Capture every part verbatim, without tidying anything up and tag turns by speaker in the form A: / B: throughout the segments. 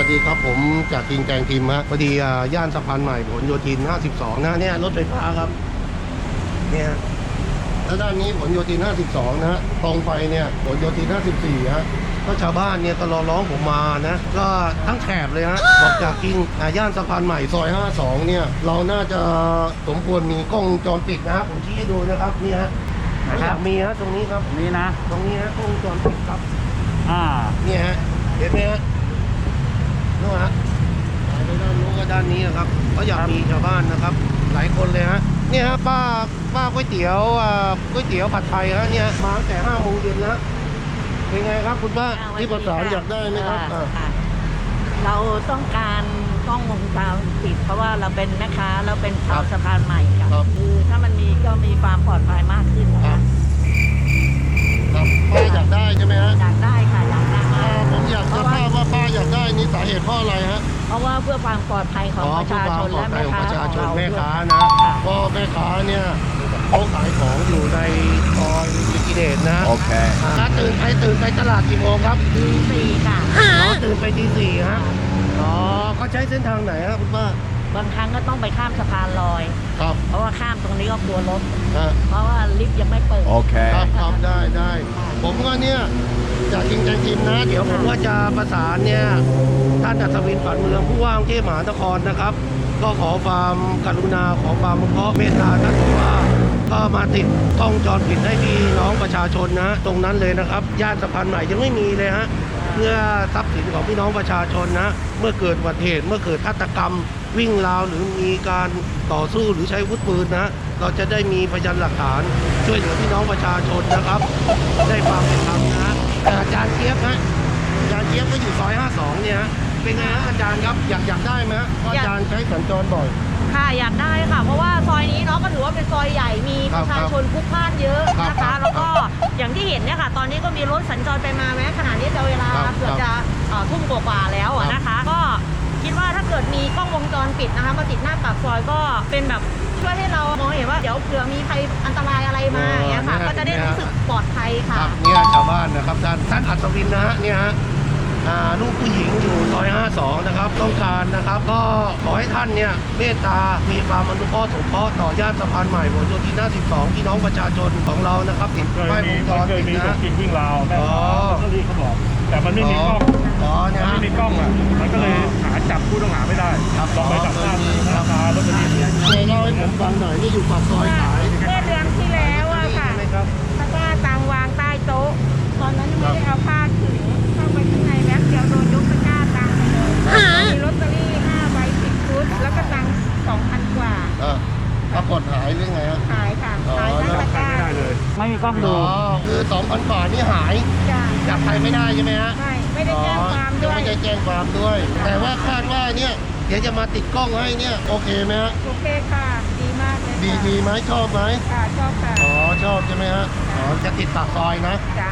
A: สดีครับผมจากกิงแกงทีมฮะพอดีย่านสะพานใหม่ผลโยธินห้าสิบสองนะเนี่ยรถไฟฟ้าครับเนี่ยแล้วด้านนี้ผลโยธินห้าสิบสองนะฮะตรงไปเนี่ยผลโยธินห้าสิบสี่ฮะก็ชาวบ้านเนี่ยก็รอร้องผมมานะก็ทั้งแถบเลยฮะบอกจากกิงย่านสะพานใหม่ซอยห้าสิบสองเนี่ยเราน่าจะสมควรมีกล้องวงจรปิดนะผมชี้ให้ดูนะครับนี่ฮะอยากมีฮะตรงนี้ครับ
B: นี่นะ
A: ตรงนี้ฮะกล้องวงจรปิดครับ
B: อ่า
A: นี่ฮะเห็นไหมฮะนู่นฮะไปด้านนู้นก็ด้านนี้นะครับก็อยากมีชาวบ้านนะครับหลายคนเลยฮะเนี่ยฮะป้าป้าก๋วยเตี๋ยวอ่าก๋วยเตี๋ยวผัดไทยฮะเนี่ยมาตั้งแต่ห้าโมงเย็นแล้วเป็นไงครับคุณป้าที่ประสานอยากได้ไหมครับ
C: เราต้องการกล้องวงจรปิดเพราะว่าเราเป็นแม่ค้าเราเป็นชาวสะพานใหม่ครับคือถ้ามันมีก็มีความปลอดภัยมากขึ้นนะคะ
A: ครับป้าอยากได้ใช่ไหมฮะ
C: อยากได้ค่ะอยากได้
A: ผมอยากจะทราบว่าป้าอยากได้นี่สาเหตุเพราะอะไรฮะ
C: เพราะว่าเพื่อความปลอดภัยของประชาชนและแม่ค้า
A: ของเราแม่ค้านะก็แม่ค้าเนี่ยเขาขายของอยู่ในซอยลิกิเดตนะ
B: โอเค
A: ถ้าตื่นไปตื่นไปตลาดกี่โมงครับ
C: ตีสี่ค่ะ
A: อ๋อตื่นไปตีสี่ฮะอ๋อเขาใช้เส้นทางไหนครับคุณป้า
C: บางครั้งก็ต้องไปข้ามสะพานลอย
A: ครับ
C: เพราะว่าข้ามตรงนี้ก็กลัวรถเพราะว่าลิฟต์ยังไม่เปิด
B: โอเค
A: ครับครับได้ได้ผมก็เนี่ยจากกิงแกงทีมนะเดี๋ยวผมว่าจะประสานเนี่ยท่านอัศวินฝันเมืองผู้ว่ากรุงเทพมหานครนะครับก็ขอความกรุณาขอความมุขเมตตาท่านผู้ว่าก็มาติดกล้องจรปิดให้พี่น้องประชาชนนะตรงนั้นเลยนะครับย่านสะพานใหม่ยังไม่มีเลยฮะเพื่อทรัพย์สินของพี่น้องประชาชนนะเมื่อเกิดอุบัติเหตุเมื่อเกิดฆาตกรรมวิ่งราวหรือมีการต่อสู้หรือใช้อาวุธปืนนะเราจะได้มีพยานหลักฐานช่วยเหลือพี่น้องประชาชนนะครับได้ความเป็นธรรมนะอาจารย์เจี๊ยบฮะอาจารย์เจี๊ยบก็อยู่ซอยห้าสิบสองเนี่ยเป็นไงฮะอาจารย์ครับอยากอยากได้ไหมฮะเพราะอาจารย์ใช้สัญจรบ่อย
C: ค่ะอยากได้ค่ะเพราะว่าซอยนี้เนาะก็ถือว่าเป็นซอยใหญ่มีประชาชนพลุกพล่านเยอะนะคะแล้วก็อย่างที่เห็นเนี่ยค่ะตอนนี้ก็มีรถสัญจรไปมาแม้ขณะนี้จะเวลาเกือบจะทุ่มกว่าๆแล้วนะคะก็คิดว่าถ้าเกิดมีกล้องวงจรปิดนะคะมาติดหน้าปากซอยก็เป็นแบบช่วยให้เรามองเห็นว่าเดี๋ยวเผื่อมีใครอันตรายอะไรมาอย่างเงี้ยค่ะก็จะได้รู้สึกปลอดภัยค่ะ
A: เนี่ยชาวบ้านนะครับท่านท่านอัศวินนะฮะเนี่ยฮะลูกผู้หญิงอยู่ซอยห้าสิบสองนะครับต้องการนะครับก็ขอให้ท่านเนี่ยเมตตามีความอนุเคราะห์สงเคราะห์ต่อย่านสะพานใหม่ผลโยธินห้าสิบสองพี่น้องประชาชนของเรานะครับติดป้ายวงจรปิดนะ
D: กินวิ่งราวแม่เขาที่เขาบอกแต่มันไม่มีกล้องมันไม่มีกล้องอ่ะมันก็เลยหาจับผู้ต้องหาไม่ได้ลองไปจับหน้าราคารถบรรทุก
A: เลยเล่าให้ผมฟังหน่อยนี่อยู่ปากซอยขาย
C: เมื่อเดือนที่แล้วอะค่ะถ้าว่าตังวางใต้โต๊ะตอนนั้นยังไม่ได้เอาผ้าถึงเข้าไปข้างในแม็กเดียวโดนยกตะกร้าตังเลยมีลอตเตอรี่ห้าใบสิบชุดแล้วก็ตังสองพันกว่า
A: ปรากฏหายหรือไงฮะ
C: หายค่ะหายทั้งตะกร้า
D: เลย
B: ไม่มีกล้องดู
A: คือสองพันกว่านี่หายจับใครไม่ได้ใช่ไหมฮะ
C: ไม่ไม่ได้แจ้งความด้วย
A: ไม่ได้แจ้งความด้วยแต่ว่าคาดว่าเนี่ยเดี๋ยวจะมาติดกล้องให้เนี่ยโอเคไหมฮะ
C: โอเคค่ะดีมากเลย
A: ดีดีไหมชอบไหม
C: ค่ะชอบค่ะ
A: อ๋อชอบใช่ไหมฮะอ๋อจะติดปากซอยนะ
C: จ้า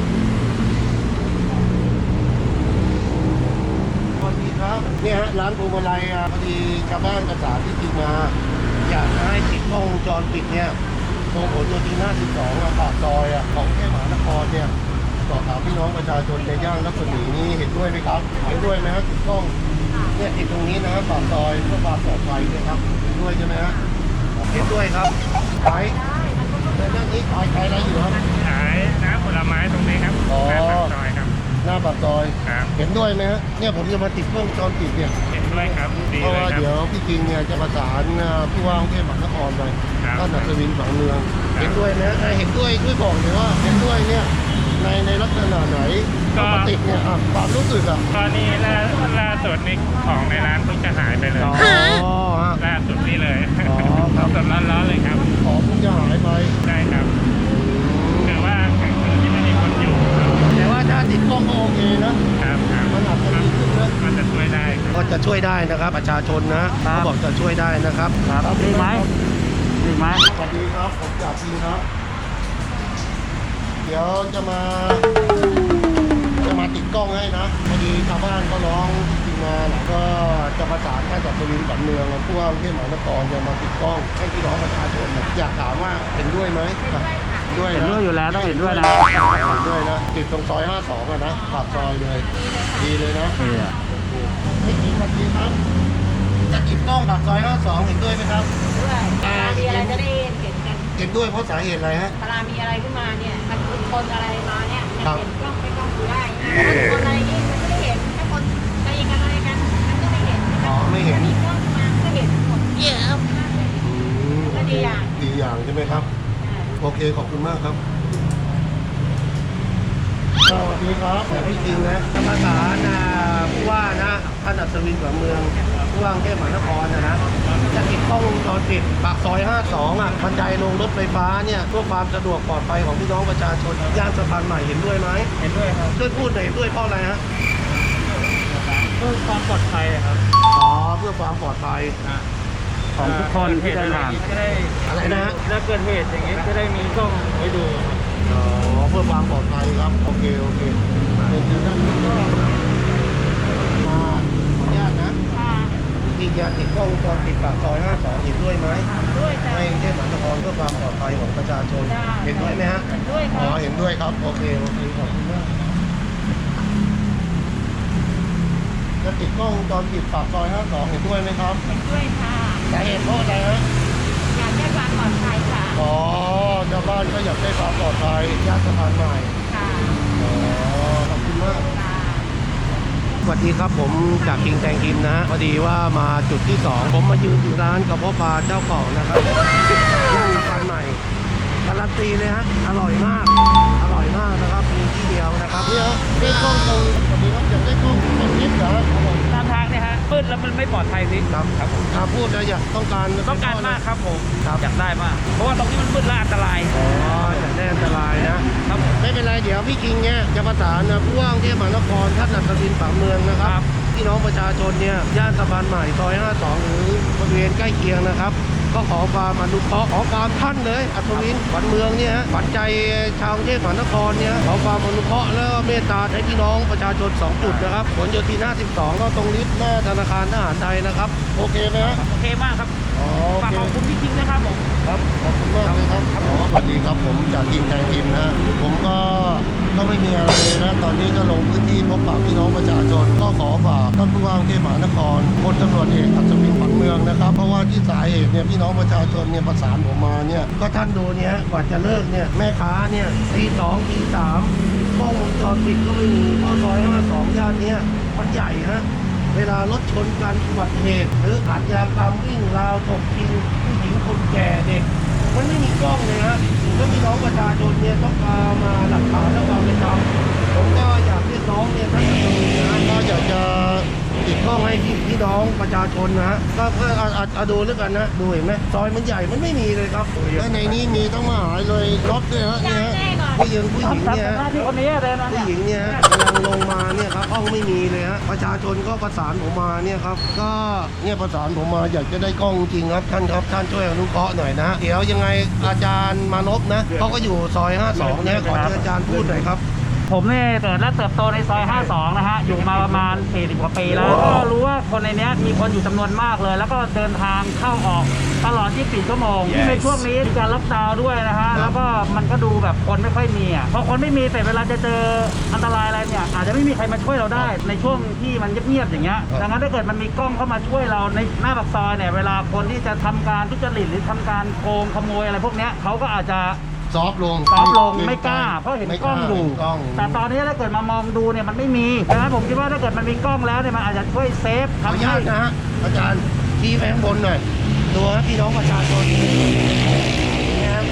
A: สวัสดีครับเนี่ยฮะร้านพวงมาลัยพอดีชาวบ้านประสานที่จริงมาอยากให้ติดกล้องวงจรปิดเนี่ยตรงผลโยธินห้าสิบสองปากซอยของกรุงเทพมหานครเนี่ยสอบถามพี่น้องประชาชนในย่านรัศมีนี้เห็นด้วยไหมครับเห็นด้วยไหมฮะติดกล้องเนี่ยติดตรงนี้นะครับปากซอยเพื่อความปลอดภัยนะครับเห็นด้วยใช่ไหมฮะเห็นด้วยครับขายในเรื่องนี้ขายขายอะไรอยู่ครับ
D: ขายน้ำผลไม้ตรงนี้ครับ
A: อ๋อ
D: ซอยครับ
A: หน้าปากซอยเห็นด้วยไหมฮะเนี่ยผมจะมาติดกล้องจรปิดเนี่ย
D: เห็นด้วยครับ
A: เพราะว่าเดี๋ยวพี่จริงเนี่ยจะประสานผู้ว่ากรุงเทพมหานครไปท่านอัศวินฝังเมืองเห็นด้วยนะเห็นด้วยช่วยบอกเลยว่าเห็นด้วยเนี่ยในในลักษณะไหนปกติเนี่ยความรู้สึกอ่ะ
D: ตอนนี้ล่าล่าสุดนี่ของในร้านเพิ่งจะหายไปเลยล่าสุดนี่เลยสดร้อนๆเลยครับ
A: ของเพิ่งจะหายไป
D: ใช่ครับแต่ว่าคือที่ไม่มีคนอยู่
A: แต่ว่าถ้าติดกล้องก็โอเคนะครับมันอาจจะดีขึ้นนะ
D: มันจะช่วยได้
A: ก็จะช่วยได้นะครับประชาชนนะเขาบอกจะช่วยได้นะครับ
B: ดีไหมดีไหม
A: สวัสดีครับผมจากทีมครับเดี๋ยวจะมาจะมาติดกล้องให้นะพอดีชาวบ้านก็ร้องจริงมาแล้วก็จะประสานท่านอัศวินฝันเมืองผู้ว่ากรุงเทพมหานครจะมาติดกล้องให้พี่น้องประชาชนอยากถามว่าเห็นด้วยไหม
B: ด้วยเห็นด้วยอยู่แล้วต้องเห็นด้วยนะ
A: เห็นด้วยนะติดตรงซอยห้าสิบสองอะนะปากซอยเลยดีเลยนะไม่จริงสวัสดีครับจะติดกล้องปากซอยห้าสองเห็นด้วยไหมครับ
C: ด้วยเวลามีอะไรจะได้เห็นกัน
A: เห็นด้วยเพราะสาเหตุอะไรฮะ
C: เวลามีอะไรขึ้นมาเนี่ยมันคือคนอะไรมาเนี่ยมัน
A: ครับ
C: เห็นกล้องไม่กล้องดูได้นะถ้าคนอะไรนี่มันไม่ได้เห็นถ้าคนตีกันอะไรกันมันก็ไม่เห็น
A: อ๋อไม่เห็น
C: มีกล้องมาก็เห็นหมดเยอะ
A: อืม
C: ก็ดีอย่าง
A: ดีอย่างใช่ไหมครับ โอเคขอบคุณมากครับสวัสดีครับแต่ไม่จริงนะธรรมศาสตร์นะผู้ว่านะท่านอัศวินขวัญเมืองผู้ว่ากรุงเทพมหานครนะนะจะติดกล้องวงจรปิดปากซอยห้าสองอ่ะบันไดลงรถไฟฟ้าเนี่ยเพื่อความสะดวกปลอดภัยของพี่น้องประชาชนย่านสะพานใหม่เห็นด้วยไหม
B: เห็นด้วยครับ
A: ช่วยพูดหน่อยเห็นด้วยเพราะอะไรฮะ
B: เพื่อความปลอดภัยครับ
A: อ๋อเพื่อความปลอดภัย
B: ของทุกคนที่เดินทางจะได้
A: อะไรนะฮะ
B: ถ้าเกิดเหตุอย่างนี้จะได้มีกล้องไว้ดู
A: อ๋อเพื่อความปลอดภัยครับโอเคโอเคเป็นที่ท่านก็มาขออนุญาตนะ
C: ค่ะ
A: ที่จะติดกล้องวงจรปิดปากซอยห้าสองเห็นด้วยไหม
C: ด้วยจ้ะ
A: ให้กรุงเทพมหานครเพื่อความปลอดภัยของประชาชน
C: ได้
A: เห็นด้วยไหมฮะ
C: เห็นด้วยค
A: อ๋อ
C: รับ
A: เห็นด้วยครับโอเคโอเคขอบคุณมากจะติดกล้องวงจรปิดปากซอยห้าสองเห็นด้วยไหมครับ
C: เห็นด้วยค่ะ
A: สาเหตุเพราะอะไรฮะ
C: อยากได้ความปลอดภัยค่ะ
A: อ๋อชาวบ้านก็อยากได้ความปลอดภัยย่านสะพานใหม่
C: ค่ะ
A: อ๋อขอบคุณมาก
C: ค่ะ
A: สวัสดีครับผมจากคิงแตงกิมนะฮะพอดีว่ามาจุดที่สองผมมายืนอยู่ร้านกระเพาะปลาเจ้าเก่านะครับย่านสะพานใหม่การันตีเลยฮะอร่อยมาก อร่อยมากนะครับมีที่เดียวนะครับเนี่ยได้กล้องตรงสวัสดีครับอยากได้กล้องตรงนี้เหรอครับผม
B: ตามทางเนี่ยฮะมืดแล้วมันไม่ปลอดภัยสิ
A: ครับครับถ้าพูดแล้วอยากต้องการ
B: ต้องการมากครับผม
A: ครับ
B: อยากได้มาก เพราะว่าตรงนี้มันมืดและอันตราย
A: อ๋ออยากได้อันตรายนะครับ
B: ผม
A: ไม่เป็นไรเดี๋ยวพี่คิงเนี่ยจะประสานนะผู้ว่ากรุงเทพมหานครท่านอัศวินฝังเมืองนะครับพี่น้องประชาชนเนี่ยย่านสะพานใหม่ซอยห้าสองหรือบริเวณใกล้เคียงนะครับ ก็ขอความอนุเคราะห์ขอความท่านเลยอัศวินฝันเมืองเนี่ยฮะฝันใจชาวกรุงเทพมหานครเนี่ยขอความอนุเคราะห์แล้วก็เมตตาให้พี่น้องประชาชนสองจุดนะครับผลโยธินห้าสิบสองก็ตรงลิฟต์หน้าธนาคารทหารไทยนะครับโอเคไหมฮะ
B: โอเคมากครับ
A: อ๋อโอ
B: ฝาก
A: เค
B: ขอบคุณพี่คิงนะครับผม
A: ครับขอบคุณมากเลยครับอ๋อสวัสดีครับผมจากทีมแทนทีมนะผมก็ก็ไม่มีอะไรเลยนะตอนนี้ก็ลงพื้นที่พบปะพี่น้องประชาชนก็ขอฝากท่านผู้ว่ากรุงเทพมหานครพลตำรวจเอกอัศวินขวัญเมืองนะครับเพราะว่าที่สาเหตุเนี่ยพี่น้องประชาชนเนี่ยประสานผมมาเนี่ยก็ท่านดูเนี่ยกว่าจะเลิกเนี่ยแม่ค้าเนี่ยตีสองตีสามกล้องวงจรปิดก็ไม่มีเพราะซอยห้าสองย่านเนี้ยมันใหญ่ฮะ เวลารถชนกันอุบัติเหตุหรืออาชญากรรมวิ่งราวตบกินผู้หญิงคนแก่เด็ก มันไม่มีกล้องเลยฮะแล้วพี่น้องประชาชนเนี่ยต้องการมาหลักฐานและความเป็นธรรมผมก็อยากเรียกร้องเนี่ยท่านอัศวินนะก็อยากจะติดกล้องให้พี่พี่น้องประชาชนนะฮะก็เพื่อเอาเอาเอาดูแล้วกันนะดูเห็นไหมซอยมันใหญ่มันไม่มีเลยครับและในนี้มีต้องมาหายเลยรถด้วยฮะเนี่ยฮะผู้หญิงผู้หญิงเนี่ยฮะ
B: หน้าที่คนนี้เดินมา
A: ผู้
B: เนี่ย
A: หญิงเนี่ยฮะกำลังลงมาเนี่ยครับห้องไม่มีเลยฮะประชาชนก็ประสานผมมาเนี่ยครับก็เนี่ยประสานผมมาอยากจะได้กล้องจริงครับท่านครับท่านช่วยอนุเคราะห์หน่อยนะเดี๋ยวยังไงอาจารย์มานพนะเขาก็อยู่ซอยห้าสองเนี่ยขอเชิญอาจารย์พูดหน่อยครับ
B: ผมเนี่ยเกิดและเติบโตในซอยห้าสองนะฮะ อยู่มาประมาณสี่สิบกว่าปีแล้ว ก็รู้ว่าคนในเนี้ยมีคนอยู่จำนวนมากเลย แล้วก็เดินทางเข้าออกตลอดยี่สิบสี่ชั่วโมงที่งในช่วงนี้มีการล็อกดาวน์ด้วยนะฮะ แล้วก็มันก็ดูแบบคนไม่ค่อยมีอ่ะพอคนไม่มีแต่เวลาจะเจออันตรายอะไรเนี่ยอาจจะไม่มีใครมาช่วยเราได้ ในช่วงที่มันเงียบๆอย่างเงี้ย ดังนั้นถ้าเกิดมันมีกล้องเข้ามาช่วยเราในหน้าปากซอยเนี่ย เวลาคนที่จะทำการทุจริตหรือทำการโกงขโมยอะไรพวกเนี้ยเขาก็อาจจะ
A: ซอฟต์ลง
B: ซอฟต์ลงไม่กล้า เพราะเห็นกล้องอยู่
A: ไม่กล้าเห็นกล้อง
B: แต่ตอนนี้ถ้าเกิดมามองดูเนี่ยมันไม่มีดังนั้นผมคิดว่าถ้าเกิดมันมีกล้องแล้วเนี่ยมันอาจจะช่วยเซฟ
A: ขออนุ
B: ทำ
A: ญา
B: ให้
A: ตนะฮะอาจารย์ชี้ไปข้างบนหน่อยดูฮะพี่น้องประชาชนเนี่ยครับ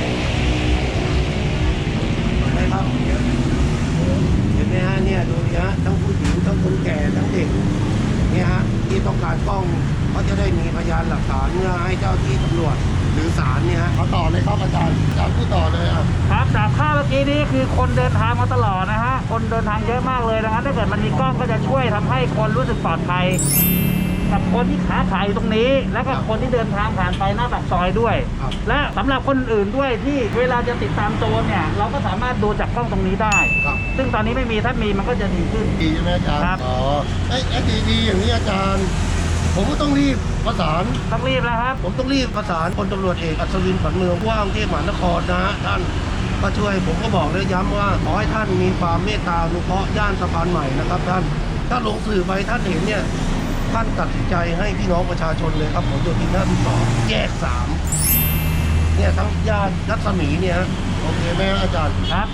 A: เห็นไหมครับเห็นไหมฮะเนี่ยดูดิฮะทั้งผู้หญิงทั้งคนแก่ทั้งเด็กเนี่ยฮะที่ต้องการกล้องเขาจะได้มีพยานหลักฐานเพื่อให้เจ้าที่ตำรวจหรือศาลเนี่ยฮะเขาต่อเลยครับอาจารย์อาจารย์พูดต่อเลยอ่ะ
B: ครับจากภาพเมื่อกี้นี้คือคนเดินทางมาตลอดนะฮะคนเดินทางเยอะมากเลยดังนั้นถ้าเกิดมันมีกล้องก็จะช่วยทำให้คนรู้สึกปลอดภัยกับคนที่ค้าขายอยู่ตรงนี้ แล้วก็คนที่เดินทางผ่านไปหน้าปากซอยด้วย
A: ครับ
B: และสำหรับคนอื่นด้วยที่เวลาจะติดตามโจรเนี่ยเราก็สามารถดูจากกล้องตรงนี้ได้
A: ครับ
B: ซึ่งตอนนี้ไม่มีถ้ามีมันก็จะดีขึ้น
A: ดีใช่ไหมอาจารย์
B: ครับ
A: อ๋อไอ้ไอ้ดีดีอย่างนี้อาจารย์ ผมก็ต้องรีบประสาน
B: ต้องรีบแล้วครับ
A: ผมต้องรีบประสานพลตำรวจเอกอัศวินขวัญเมืองผู้ว่ากรุงเทพมหานครนะฮะท่านก็ช่วยผมก็บอกและย้ำว่าขอให้ท่านมีความเมตตาอนุเคราะห์ย่านสะพานใหม่นะครับท่านถ้าลงสื่อไปท่านเห็นเนี่ยท่านตัดสินใจให้พี่น้องประชาชนเลยครับผลโยธินห้าสิบสองแยกสามเนี่ยทั้งย่านรัศมีเนี่ยโอเคไหมอาจารย์
B: ครับ